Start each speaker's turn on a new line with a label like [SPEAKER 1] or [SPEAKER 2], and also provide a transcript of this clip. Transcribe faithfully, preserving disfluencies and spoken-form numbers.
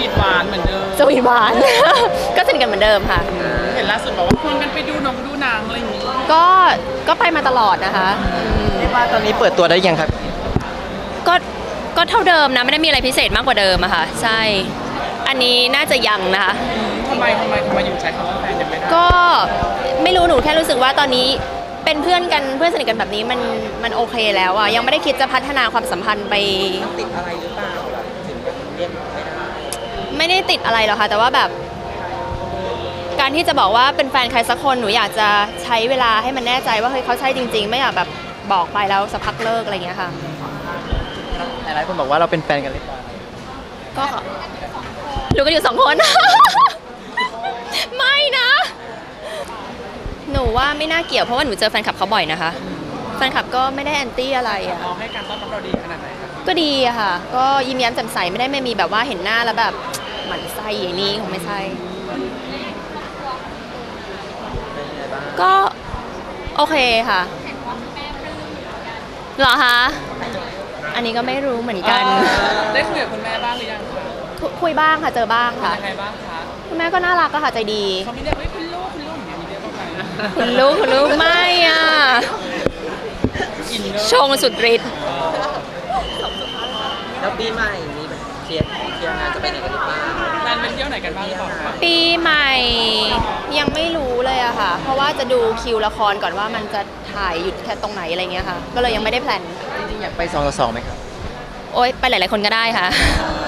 [SPEAKER 1] วีทหวานเหมือนเดิม
[SPEAKER 2] สวีทหวานก็สนิทกันเหมือนเดิมค่ะ
[SPEAKER 1] เห็นล่าสุดบอกว่าควรกันไปดูหนังดูหนังอะไรอย่างนี้
[SPEAKER 2] ก็ก็ไปมาตลอดนะคะ
[SPEAKER 3] เรียกว่าตอนนี้เปิดตัวได้ยังครับ
[SPEAKER 2] ก็ก็เท่าเดิมนะไม่ได้มีอะไรพิเศษมากกว่าเดิมอะค่ะใช่อันนี้น่าจะยังนะคะ
[SPEAKER 1] ทำไมทำไมทำไมอยู่ใช้คำว่าแฟนยังไม่ได้
[SPEAKER 2] ก็ไม่รู้หนูแค่รู้สึกว่าตอนนี้เป็นเพื่อนกันเพื่อนสนิทกันแบบนี้มันมันโอเคแล้วอะยังไม่ได้คิดจะพัฒนาความสัมพันธ์ไป
[SPEAKER 3] ติดอะไรหรือเปล่าถึงเรียกไม่ได้
[SPEAKER 2] ไม่ได้ติดอะไรหรอกค่ะแต่ว่าแบบการที่จะบอกว่าเป็นแฟนใครสักคนหนูอยากจะใช้เวลาให้มันแน่ใจว่าเฮ้ยเขาใช่จริงๆไม่อยากแบบบอกไปแล้วสักพักเลิกอะไรอย่างเงี้ยค่ะ
[SPEAKER 3] หลายคนบอกว่าเราเป็นแฟนกันหรือเปล่า
[SPEAKER 2] ก็รู้กันอยู่สองคน ไม่นะหนูว่าไม่น่าเกี่ยวเพราะว่าหนูเจอแฟนคลับเขาบ่อยนะคะแฟนคลับก็ไม่ได้แอนตี้อะไรอ่ะ
[SPEAKER 1] เขาให้การต้อนรับเราดีขนาดไหนครับ
[SPEAKER 2] ก็ดีอะค่ะก็ยิ้มแย้มแจ่มใสไม่ได้ไม่มีแบบว่าเห็นหน้าแล้วแบบหมั่นไส้อย่างนี้คงไม่ใช่ก็โอเคค่ะเหรอคะอันนี้ก็ไม่รู้เหมือนกัน
[SPEAKER 1] ได้คุยกับคุณแม่บ้างหรือยัง
[SPEAKER 2] คุยบ้างค่ะเจอบ้างค่ะ
[SPEAKER 1] ยังไงบ้างคะ
[SPEAKER 2] คุณแม่ก็น่ารักก็ค่ะใจดี
[SPEAKER 1] เขาไม่เรียกว่าคุณลูกคุณลูกอย่างนี้เรียกว่าไง
[SPEAKER 2] คุณลูกคุณลูกไม่อ่ะชงสุดฤทธิ์
[SPEAKER 3] แล้วปีใหม่มีแบบเคลียร์เคลียร์งานจะไปไหนกันหรือเปล่า
[SPEAKER 1] แฟนเป็นเที่ยวไหนกันบ้างหรือเปล่า
[SPEAKER 2] ปีใหม่ยังไม่รู้เลยอะค่ะเพราะว่าจะดูคิวละครก่อนว่ามันจะถ่ายหยุดแค่ตรงไหนอะไรเงี้ยค่ะก็เลยยังไม่ได้แพลน
[SPEAKER 3] จริงๆอยากไปสองต่อสองไหมครับ
[SPEAKER 2] โอ๊ยไปหลายๆคนก็ได้ค่ะ